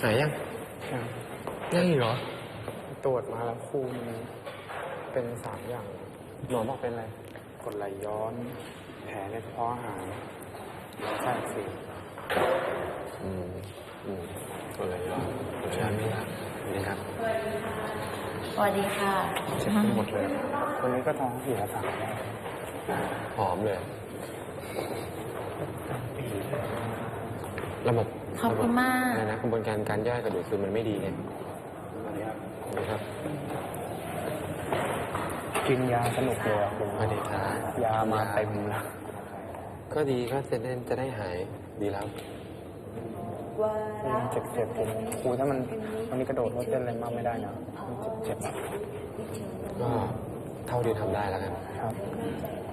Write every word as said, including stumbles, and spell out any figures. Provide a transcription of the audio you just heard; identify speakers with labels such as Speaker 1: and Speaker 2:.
Speaker 1: หายยังยังอีกเหรอ
Speaker 2: ตรวจมาแล้วครูมันเป็นสามอย่าง
Speaker 1: หมอบอกเป็นอะไร
Speaker 2: กรดไหลย้อนแผลในกระเพาะอาหารไส้อักเสบ
Speaker 1: อืมอืมกรดไหลย้อนใช่ไหมครับนี่ครับ
Speaker 3: สวัสดีค่ะ
Speaker 2: เจ็บไปหมดเลยคนนี้ก็ท้องเสียสามแล้ว
Speaker 1: หอมเลยระบบ
Speaker 3: ขอบคุณมาก
Speaker 1: อะไรนะกระบวนการการย่อยกระดูกคือมันไม่ดีไงนะครับ
Speaker 2: กินยาสนุกเลยอ่ะคุณ
Speaker 1: สวัสดีครับ
Speaker 2: ยามาเต็มแล้ว
Speaker 1: ก็ดีก็จะได้จะได้หายดีแล้ว
Speaker 2: ยังเจ็บเจ็บผมครูถ้ามันวันนี้กระโดดรถเต้นอะไรมากไม่ได้นะมันเจ็บเจ็บ
Speaker 1: ก็เท่าที่ทำได้แล้วกัน
Speaker 2: ครับ